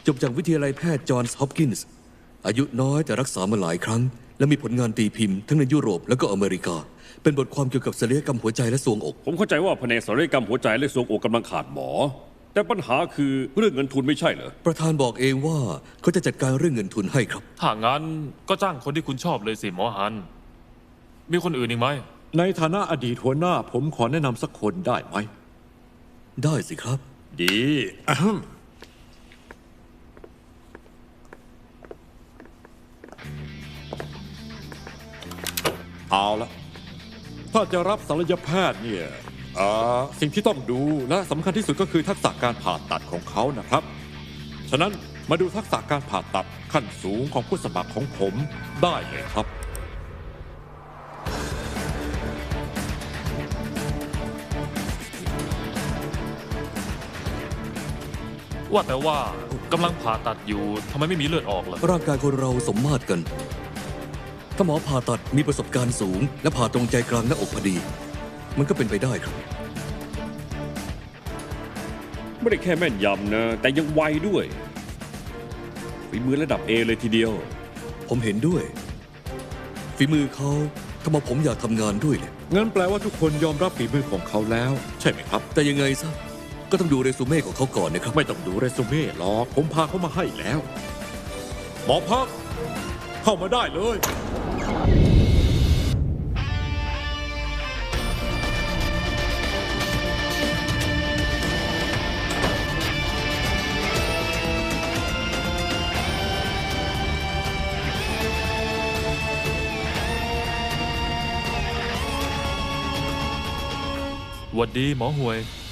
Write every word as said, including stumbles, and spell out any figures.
จบจากวิทยาลัยแพทย์จอห์นส์ฮอปกินส์อายุน้อยแต่รักษามาหลายครั้ง และมีผลงานตีพิมพ์ทั้งในยุโรปและก็อเมริกา เป็นบทความเกี่ยวกับศัลยกรรมหัวใจและทรวงอกผมเข้าใจว่าแผนกศัลยกรรมหัวใจและทรวงอกกำลังขาดหมอ แต่ปัญหาคือเรื่องเงินทุนไม่ใช่เหรอประธานบอกเองว่าเขาจะจัดการเรื่องเงินทุนให้ครับถ้างั้นก็จ้างคนที่คุณชอบเลยสิหมอฮัน มีคนอื่นอีกไหมในฐานะอดีตหัวหน้าผมขอแนะนำสักคนได้ไหมได้สิครับดีอะฮึ่มเอาละถ้าจะรับศัลยแพทย์เนี่ยอ่าสิ่งที่ต้องดูและสำคัญที่สุดก็คือทักษะการผ่าตัดของเขานะครับ ฉะนั้นมาดูทักษะการผ่าตัดขั้นสูงของผู้สมัครของผมได้เลยครับว่าแต่ว่ากำลังผ่าตัดอยู่ทำไมไม่มีเลือดออกล่ะร่างกายคนเราสมมาตรกัน ถ้าหมอผ่าตัดมีประสบการณ์สูง และผ่าตรงใจกลางหน้าอกพอดี มันก็เป็นไปได้ครับไม่ได้แค่แม่นยำนะ แต่ยังไวด้วยฝีมือระดับ เอ เลยทีเดียวผมเห็นด้วย ฝีมือเขาทำให้ผมอยากทำงานด้วยเลยงั้นแปลว่าทุกคนยอมรับฝีมือของเขาแล้ว ใช่ไหมครับแต่ยังไงซะ ก็ต้องดูเรซูเม่ของเขาก่อนนะครับไม่ต้องดูเรซูเม่หรอกผมพาเขามาให้แล้ว หมอพัก เข้ามาได้เลยหวัดดีหมอห่วย